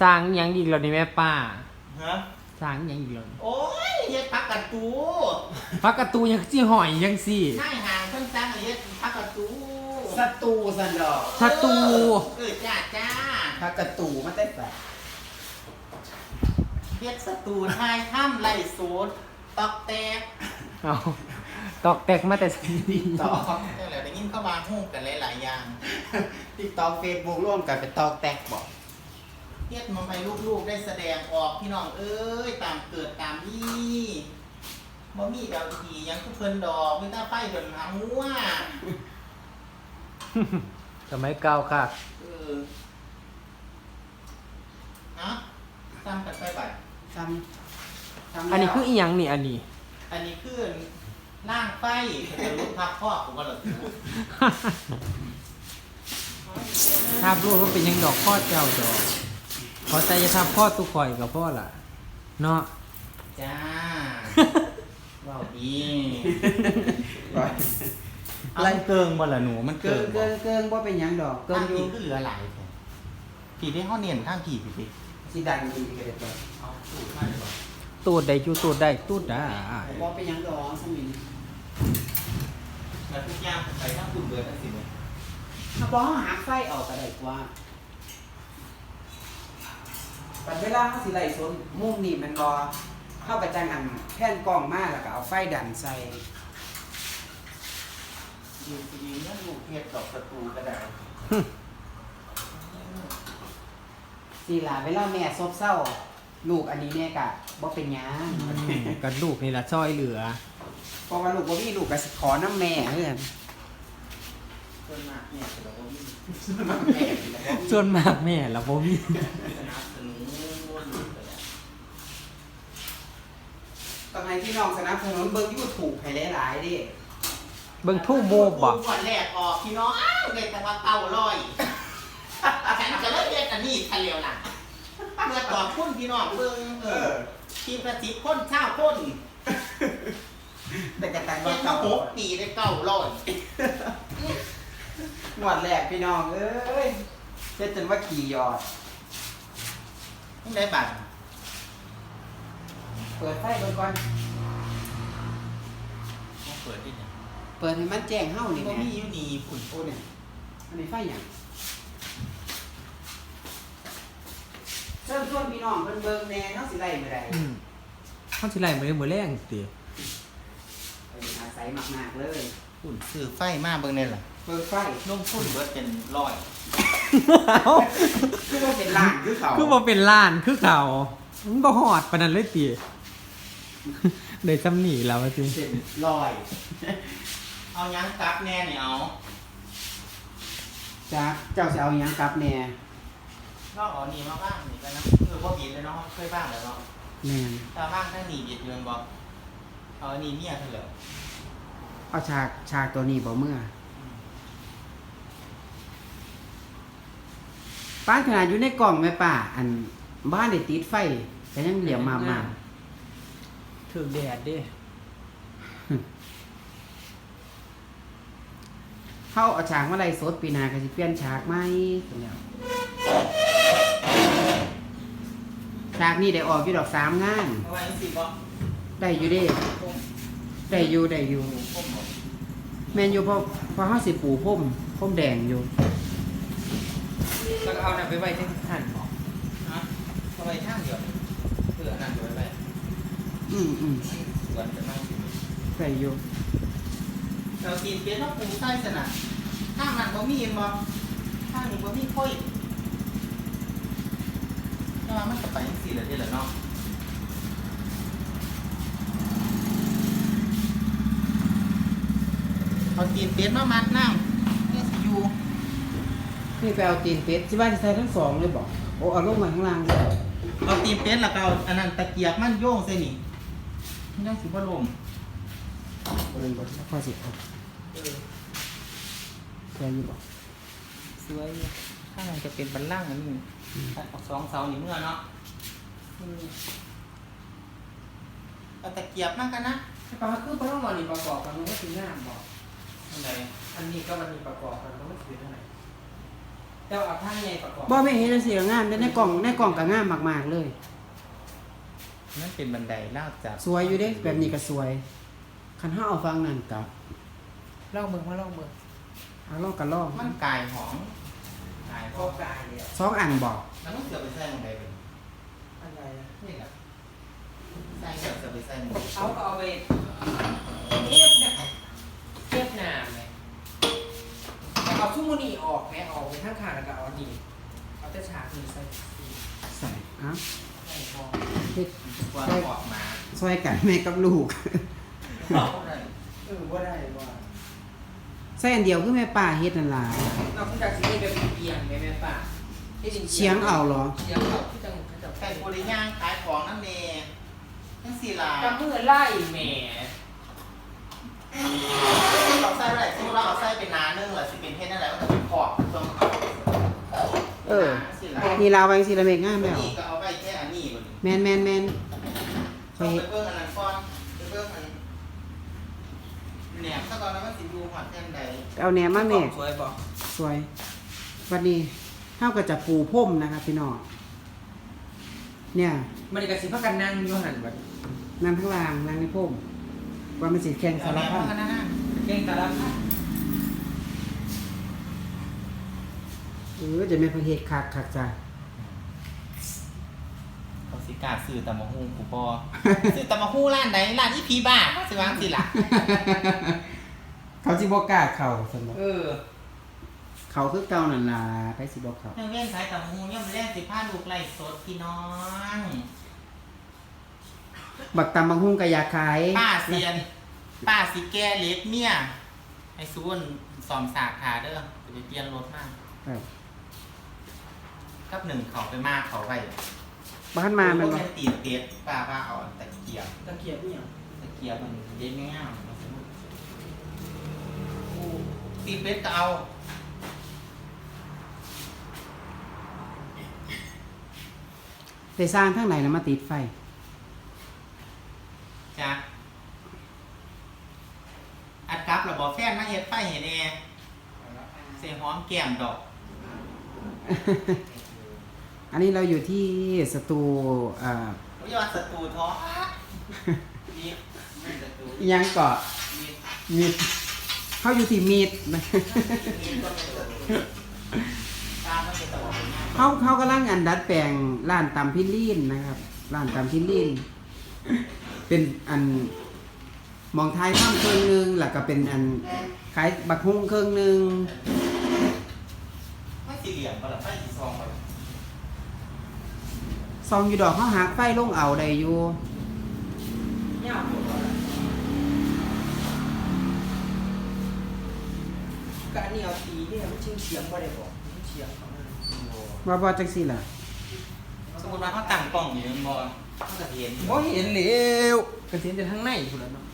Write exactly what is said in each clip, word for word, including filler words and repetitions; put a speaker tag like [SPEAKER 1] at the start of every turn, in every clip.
[SPEAKER 1] สร้างยังอีกแล้วนี่แม่ป้า
[SPEAKER 2] ฮะ
[SPEAKER 1] สร้างยังอีกแล้ว
[SPEAKER 2] โอ้ยเฮ็ดพักกระตู
[SPEAKER 1] พักกระตูยังสิหอยยังสิ
[SPEAKER 2] นายห่างเพิ่นสร้างเฮ็ดพักกระตู
[SPEAKER 3] ศัตรูสันดอก
[SPEAKER 1] ศัตรู
[SPEAKER 2] เออจ้าจ้า
[SPEAKER 3] พักกระตูมาแต่แต่
[SPEAKER 2] เฮ็ดศัตรูทายถ้ำไล่โสดตอกแตก
[SPEAKER 1] เอาตอกแตกมาแต่สิ
[SPEAKER 3] ต่อ
[SPEAKER 2] นั่นแหละได้ยินเข้ามาฮู้กันหลายๆอย่าง
[SPEAKER 3] ติ๊กต็อกเฟซบุ๊กร่วมกันเป็นตอกแตกบอก
[SPEAKER 2] เฮ็ดมาให้ลูกๆได้แสดงออกพี่น้องเอ้ยตามเกิดตามนี่บ่มีดาวทีหยังคือเพิ่นดอกมีแต่ไฟเพิ่นหาหัว
[SPEAKER 1] สมัยเก่าค่ะ
[SPEAKER 2] เออนะตามกันไปไป
[SPEAKER 3] ทำทำ
[SPEAKER 1] อันนี้คืออีหยังนี่อันนี้
[SPEAKER 2] อันนี้คือล่างไฟจะลุกพักพ่อผมก็เลย
[SPEAKER 1] ทาบรู้ว่าเป็นหยังดอกพ่อเจ้าดอกพอใจจะทาบพ่อตุกข่อยกับพ่อล่ะเนาะ
[SPEAKER 2] จ้าว้าวดี
[SPEAKER 3] ไล่
[SPEAKER 2] เกิงบ่ล่ะหนูมัน
[SPEAKER 3] เกินเกินเกินว่าเป็นหยังดอกเกิ
[SPEAKER 2] เกิ
[SPEAKER 3] น
[SPEAKER 2] ง
[SPEAKER 3] อยู่
[SPEAKER 2] ผีก็เหลือหลายแท้ผีได้ห้อเนียนข้างผีพี่พี่
[SPEAKER 3] สีดังดีกันเลยตัว
[SPEAKER 2] เอาสูตรมาดีกว่า
[SPEAKER 1] ตูดได้จูตูดได้ตูดได้
[SPEAKER 3] ว่าเป็นหยังดอกสมิง
[SPEAKER 2] แล้วทุกอย่างไปทั้งคุณเบิร์ดทั้งสิบเลย
[SPEAKER 3] ถ้าบอกหาไฟออกก็ได้กว่าปัจเวลาเขาสิไล่สนมุมนี่มันรอเข้าไปจังอันแท่นกล้องมาแล้วก็เอาไฟดันใส่
[SPEAKER 2] ยืนยืนนั่นลูกเทศดอกประตูกระดาษ
[SPEAKER 3] สีหลาเวลาแม่ซบเศร้า ลูกอันนี้แม่กะบ่เป็นหยัง
[SPEAKER 1] กระดูกนี่ละซอยเหลือ
[SPEAKER 3] เพราะว่าลูกบ่มีลูกก็สิขอน้ำแม่เพื่อน
[SPEAKER 2] ส่วนมากเนี่ยเราก็มี
[SPEAKER 3] แม่นี่แหละบ่มี
[SPEAKER 1] ส่วนมากแม่ละบ่มี
[SPEAKER 2] สนับสนุนลูกเลย
[SPEAKER 3] ต้องให้พี่น้องสนับสนุนเบิ่ง YouTube ให้หลายๆเดิ
[SPEAKER 1] เบิ่งทู่โมบบ่
[SPEAKER 2] ก่อนแรกออกพี่น้องเลยแต่ว่าเก่าลอยฉันจะเลิกเรียนอันนี้ทันเร็วล่ะเพื่อตอบคุณพี่น้องเบิ่งเออทีมประสิทธิ์คนเช่าคน
[SPEAKER 3] แต่กระตัง
[SPEAKER 2] เรี
[SPEAKER 3] ว่าย
[SPEAKER 2] นมา
[SPEAKER 3] เก่า
[SPEAKER 2] หกปีได้เก่าลอย
[SPEAKER 3] งวดแรกพี่น้องเอ้ยเฮ็ดจนว่าขี่ยอด
[SPEAKER 2] ไม่ได้บัตร
[SPEAKER 3] เปิดไฟเบิ่งก่อน
[SPEAKER 2] เปิดที่ไหน
[SPEAKER 3] เปิดให้มันแจ้งเฮานี่
[SPEAKER 2] ก็
[SPEAKER 3] แหม่
[SPEAKER 2] มีอยู่นี่ฝุ่น
[SPEAKER 3] โอ้เนี่ยอันนี้ไฟหยังเชิญชวนพี่น้องเพิ่นเบิ่งแหน่เฮาสิไล่มื้อใด
[SPEAKER 1] อืมเขาสิไล่มื้อมื้อแรงติ
[SPEAKER 3] เอออาศัยมากๆเลย
[SPEAKER 2] ฝุ่นซื้อไฟมาเบิ่งเนี่ยล่ะ
[SPEAKER 3] เปิดไฟ
[SPEAKER 2] ลงทุนเบิดเป็นร้อย
[SPEAKER 1] เอ้า
[SPEAKER 3] คือว่าเป็นล้านคือเขา
[SPEAKER 1] คือบ่เป็นล้านคือเขามันบ่ฮอดปานนั้นเลยติได้ซ้ำนี่แล้วว่าสิ
[SPEAKER 3] เป็นลอย
[SPEAKER 2] เอายังกลับแน่เนี่ยเอา
[SPEAKER 3] จ้าเจ้าสิเอาหยังกลับแหน่
[SPEAKER 2] ลอกเอานี่มาบ้างนี่ไปนะเออพอบิดเลยเนาะเคยบ้างแล้วเนาะ
[SPEAKER 3] แม่น
[SPEAKER 2] ตาบ้างถ้าหนีบิดเดือนบอกเอาอันนี้เมียเถอะเหรอ
[SPEAKER 3] เอาฉากฉากตัวนี้บ่เมื่อป้านขนาดอยู่ในกล่องแม่ป้าอันบ้านได้ติดไฟแต่ยังเหลี่ยมมามา
[SPEAKER 1] ถึกแดดเด้
[SPEAKER 3] เข้าเอาฉากมาไล่สดปีหนาก็สิเปลี่ยนฉากใหม่ซั่นแหล้วฉากนี้ได้ออกอยู่ดอกสามงาน
[SPEAKER 2] เอาไว้สิบอก
[SPEAKER 3] ได้อยู่เด้ได้อยู่ได้อยู่
[SPEAKER 2] ผมบอก
[SPEAKER 3] แม่นอยู่เพราะเพราะเฮาสิปูพรมพรมแดงอยู่
[SPEAKER 1] แล้วก็เอาน่ะไปไว้ที่หั่นบ่
[SPEAKER 2] ฮะเอาไว้ท่างเดียวเพื่อนั่นไว้ไป
[SPEAKER 3] อืมอืม
[SPEAKER 2] สวนจะนั่งสิ
[SPEAKER 3] ได้อยู่
[SPEAKER 2] เรากินเป็นว่าปูไส้สนะข้างนั้นบ่มีเห็นบ่ข้างนี้บ่มีค่อยแต่ว่ามันก็ไปจังซี่แหละเด้อล่ะเนาะเอาตีนเป็ดมามัดน้ำเนี่ยสิอยู่
[SPEAKER 3] นี่ไปเอาตีนเป็ดสิว่าสิใส่ทั้งสองเลยบ่โอ้เอาลงมาข้างล่างเลย
[SPEAKER 2] เอาตีนเป็ดแล้วก็เอาอันนั้นตะเกียบมันโยงใส่นี่มันยังสิบ่ลม
[SPEAKER 3] บ่เลยบ่พอสิเอา
[SPEAKER 2] เออ
[SPEAKER 3] แค่อยู่บ่
[SPEAKER 2] สวยอยู่ข้างในจะเป็นบันล่างอันนี้ตัดออกสองเสานี่เมื่อเนาะอืมเอาตะเกียบมากกันนะ
[SPEAKER 3] ปลาคือปลาต้องรอนี่ประกอบกันมันก็สิงามบ่
[SPEAKER 2] อะไร
[SPEAKER 3] อันนี้ก็มันมีประกอบกันมันก็สิเป็นเท่าไหร่
[SPEAKER 1] เจ้าเอาผ้าใหญ่ประกอบ
[SPEAKER 3] บ่แม่เห็นจังซี่ก็งามแต่ในกล่องในกล่องก็งามมากๆเลย
[SPEAKER 2] นั่นเป็นบันไดลาดจาก
[SPEAKER 3] สวยอยู่เด้แบบนี้ก็สวยคันเฮาเอาฟังนั่นก็
[SPEAKER 1] ลองเบิ่งมาลองเบิ่ง
[SPEAKER 3] เอาลองก็ลอง
[SPEAKER 2] มันกายหอมกายห
[SPEAKER 1] โค
[SPEAKER 2] อม
[SPEAKER 1] กายเลย
[SPEAKER 3] สองอันบ่
[SPEAKER 2] แล้วมันเสือไปใส่บันไดเป็น
[SPEAKER 1] อะไรนะ
[SPEAKER 2] นี่แหละใส่เสือไปใส่หมด
[SPEAKER 1] เอาก็เอาไปเทียบเนี่ยเทียบหน้าไหมแต่เอาชุ่มนี่ออกไหมเอาไปข้างขาแล้วก็เอาอันนี้เอาแต่ฉากนี้ใส่
[SPEAKER 3] ใส่อ่ะ
[SPEAKER 1] ใส่พอ
[SPEAKER 3] เฮ็ด
[SPEAKER 2] กว่าออกมา
[SPEAKER 3] ซอยกันแม่กับลูก
[SPEAKER 2] เอาได้
[SPEAKER 1] เออว่าได้ว่า
[SPEAKER 3] ใส่อันเดียวคือแม่ป้าเฮ็ดนั่นล่ะ
[SPEAKER 1] เราคุณจากสิ่งนี้แบบเอียงไหมแม่ป้า
[SPEAKER 3] เชียงเอาเหรอ
[SPEAKER 1] เชียงเอาที่จังเขาจะ
[SPEAKER 2] ไก่โพลิย่างขายของนั่นเองนั่นสีลา
[SPEAKER 1] กับมือไล่แหม่
[SPEAKER 2] เราใส่อะไรสมมติเราเอาใส่เป็นนานึ่งหรือสิเป็นเทศนั่นแหละก็จะเป็นขอบตรง
[SPEAKER 3] เออ
[SPEAKER 2] สีลา
[SPEAKER 3] นี่ลาวาจังซี่ละแม่งามแล้ว
[SPEAKER 2] นี่ก็เอาไปแค่อันนี้บน
[SPEAKER 3] แม่นแม่นแม่น
[SPEAKER 2] ไปเบิ่งอันนั้นก่อนไปเบิ่งอันเนี่ยถ้าตอนนั้นมันสิดูหอดแท่นใด
[SPEAKER 3] เอาแหนมมาแม่
[SPEAKER 1] สวยบอก
[SPEAKER 3] สวยวันนี้เฮาก็จะปูพรมนะครับพี่น้องเนี่ย
[SPEAKER 1] มันนี่ก็สิพากันนั่งอยู่หันแบบ
[SPEAKER 3] นั่งข้างล่างนั่งในพรมว่ามันสิแข่ง
[SPEAKER 2] เอา
[SPEAKER 3] สาร
[SPEAKER 2] แนว
[SPEAKER 3] พั
[SPEAKER 2] มา
[SPEAKER 3] ด
[SPEAKER 2] กันนะนะ
[SPEAKER 1] เก่งแต่ละพัน
[SPEAKER 3] เออจะแม่นเพิ่นเฮ็ดคักคักจ้ะ
[SPEAKER 2] เขาสิกล้าซื้อตำมะฮุ่งกูปอ ซื้อตำมะฮุ่งร้านไหนร้านอีพีบ้าสิวางสิล่ะ
[SPEAKER 3] เขาสิบ่กล้าเข้าซั่นบ่
[SPEAKER 1] เออ
[SPEAKER 3] เขาคือเก่านั่นล่ะไปสิบ่เข้า
[SPEAKER 2] เรื่องเล่นขายตำมะฮุ่งย่อมแรกสิพาลูกไล่สดพี่น้อง
[SPEAKER 3] บักตำบักหุ่งก็อยากขาย
[SPEAKER 2] ป้าเซียน ป้าสิแก้เล็กเมียไอ้ซูนสอมสากขาเด้อจะไปเปลี่ยนรถมาก
[SPEAKER 3] ครับ
[SPEAKER 2] กับหนึ่งเขาไปมากเขาไป
[SPEAKER 3] บ้านมามัน
[SPEAKER 2] บ่
[SPEAKER 3] บ่
[SPEAKER 2] ตีเตียดป้าป้าเอาตะเกียบ
[SPEAKER 1] ตะเกียบเนี่ย
[SPEAKER 2] ตะเกียบมันเย็นง่ายตีเป็ดก็เอา
[SPEAKER 3] ไปสร้างทางไหนแล้วมาติดไฟ
[SPEAKER 2] จ้ะอัดกลับระบบแฟนมาเฮ็ดไฟเห็นแอร์เสียหอมแก้มดอก
[SPEAKER 3] อันนี้เราอยู่ที่สตูเอ่อ
[SPEAKER 2] วิยาศัตรูท้อนี่ไม่ศัตรู
[SPEAKER 3] อิหยังเกาะ
[SPEAKER 2] นี่
[SPEAKER 3] มีดเขาอยู่ที่มีด นะ
[SPEAKER 2] นี่ก็ไม่ศัตรูตามันเป็นตะวันเนี่ย
[SPEAKER 3] เขาเขากำลังอันดัดแปลงร้านตำพิลีนนะครับร้านตำพิลีนเป็นอันหมองไทยข้ามเครื่องหนึงแล้วก็เป็นอันขายบักฮุ่งเครื่องหนึง
[SPEAKER 2] ไม่สี่เหลี่ยมก็หรอไม่สีซองก็หรอ
[SPEAKER 3] ซองอยู่ดอกเขาหักไฟลงเอาได้อยู่
[SPEAKER 1] เนี่ยเอาหมดแล้วก็อันนี้เอาตีเนี่ยมันชิงเฉียงบ่ได้บอกมันเฉียงเขานั่น
[SPEAKER 3] ว่าบ่จังซี่ล่ะ
[SPEAKER 2] สมมติว่าเขาตั้งกล้องอยู่มันบอเขาจะเห็น
[SPEAKER 1] บ่เห็นแล้วก็เห็นแต่ทางในพุ่นแล้วเนาะ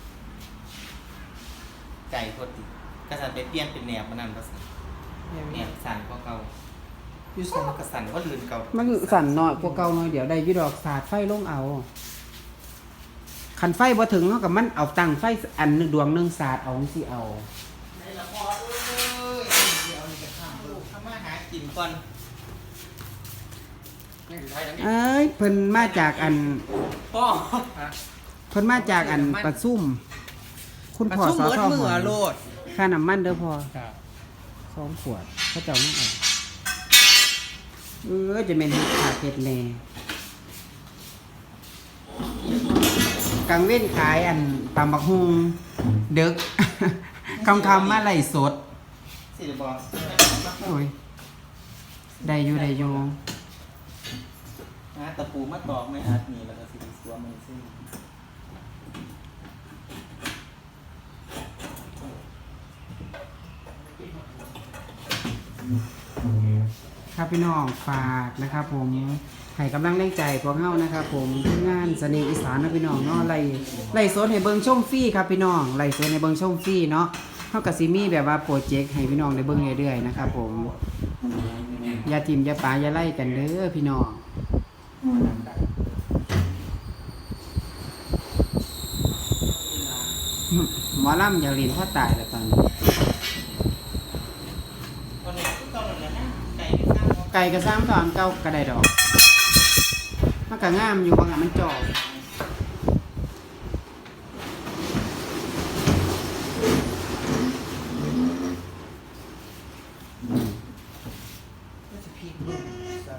[SPEAKER 2] ใจโคตรติกระสันไปเปลี่ยนเป็นแนวมันนั่นก็สั่นแนวสั่นกว่าเก่าอยู่สั่นกระสันก็ลืนเก่า
[SPEAKER 3] มันสั่นน้อยกว่าเก่าหน่อยเดี๋ยวได้อยู่ดอกสาดไฟลงเอาคันไฟบ่ถึงเฮากับมันเอาตั้งไฟอันหนึงดวงหนึงสาดเอาจังซี่เอา
[SPEAKER 2] ในละครเอ้ยเดี๋ยวนี่จะข้ามลูกทำมาหากินก่อน
[SPEAKER 1] นี่คือไทยแล้วนี่
[SPEAKER 3] เอ้ยเพิ่นมาจากอัน
[SPEAKER 1] พ่อ
[SPEAKER 3] เพิ่นมาจากอันปะซุ่มคุณพ่อสอทอหอ
[SPEAKER 1] ด
[SPEAKER 3] ค่าน้ำมันเด้อพ่อ
[SPEAKER 1] ครับ
[SPEAKER 3] สองขวดเขาเจ้ามาเอาเออจะเป็นเฮ็ดขาดเฮ็ดแหน่กังเว้นขายอันตำบักฮุงเด็ก คำคำๆมาไล่สด
[SPEAKER 2] สิริบอล
[SPEAKER 3] โอ้ยได้อยู่ได้อยู่
[SPEAKER 2] นะตะปูมาตอกไม่อัดนี่แล้วก็สิริสัวมันซึ่ง
[SPEAKER 3] ครับพี่น้องฝากนะครับ ผมให้กำลังแรงใจพวกเฮานะครับ ผมทีมงานเสน่ห์อีสานนะพี่น้องเนาะไล่ไล่สดให้เบิ่งชมฟรีครับพี่น้องไล่สดให้เบิ่งชมฟรีเนาะเฮาก็สิมีแบบว่าโปรเจกต์ให้พี่น้องได้เบิ่งเรื่อยๆนะครับ ผมอย่าทิ่มอย่าปาอย่าไล่กันเด้อพี่น้องหมอลำอย่าเรียนพ่อตายแล้วตอนนี้
[SPEAKER 2] ตอนนี้ก็ตอนนั้นนะ
[SPEAKER 3] ไก่กระซ้ำตอนเก่ากระไดดอกมันก็งามอยู่บางอันมันจอบอืม
[SPEAKER 1] ก็จะพริกนุ่มซะ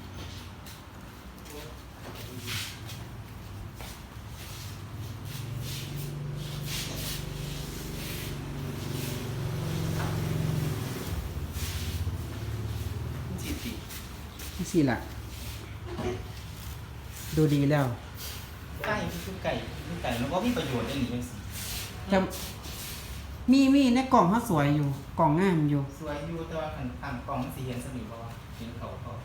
[SPEAKER 2] จีบ
[SPEAKER 3] นี่สิล่ะ ดูดีแล้ว
[SPEAKER 2] ไก่คือไก่คือไก่แล้วก็มีประโยชน์ได้หนิจังสิ
[SPEAKER 3] จะมีมีในกล่องเขาสวยอยู่ กล่องงามอยู่
[SPEAKER 2] สวยอยู่แต่ว่าขันขังกล่องมันสีเห็นสนิทเพราะว่าเห็นเขาเขา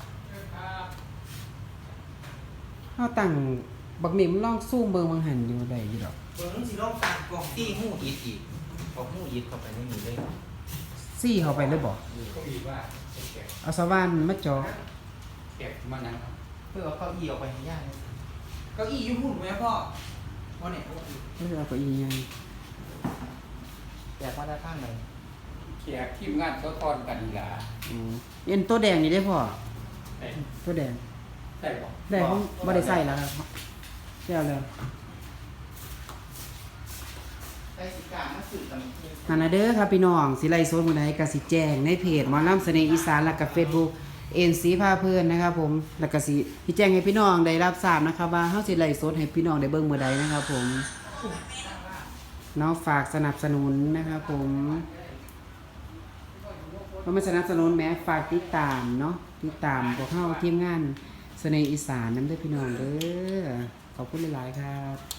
[SPEAKER 3] เขาตั้งบักหมิมนลองซูมเบิงบางหันอยู่ได้อยู่ดอก
[SPEAKER 1] เบิ้งสิลองตามกล่อง
[SPEAKER 2] ตีหูอีดอีกเอาหูอีดเข้าไปในนี้เลย
[SPEAKER 3] ซี่เข้าไปเลยบอก
[SPEAKER 1] ก็มีว่าแกะ
[SPEAKER 3] เอาสว่านมาจอ
[SPEAKER 1] แกะมานั่งครับ
[SPEAKER 2] เพื่อเอาเข้าอีออกไปให้ย่าง
[SPEAKER 1] เก้าอี้อยุ่หุ่นไหมพ่อพ่อเนี่ย
[SPEAKER 3] ไม่เอาเก็อียัง
[SPEAKER 2] อยากว่าได้ข้างไหน
[SPEAKER 1] แขกทีมงานเขาทอนกันอีหลา
[SPEAKER 3] อืมเอ็นตัวแดงนี่ได้พ่อ
[SPEAKER 1] ได้
[SPEAKER 3] ตัวแดง
[SPEAKER 1] ได้ปะ
[SPEAKER 3] ได้เขาไม่ได้ใส่แล้วครับเจ้าเลย
[SPEAKER 2] ใส่สีกามาสื่อกัน
[SPEAKER 3] นั่นนะเด้อครับพี่น้องสิไลฟ์สดมื้อใดก็สิแจ้งในเพจหมอลำเสน่ห์อีสานแล้วก็ Facebook เอ็นซีพาเพื่อนนะครับผมแล้วก็สิพี่แจ้งให้พี่น้องได้รับทราบนะครับว่าเฮาสิไลฟ์สดให้พี่น้องได้เบิ่งมื้อใดนะครับผมเนาะฝากสนับสนุนนะครับผมเพราะมันสนับสนุนแม้ฝากติดตามเนาะติดตามพวกเฮาทีมงานเสน่ห์อีสานนำเด้อพี่น้องเด้อขอบคุณหลายๆครับ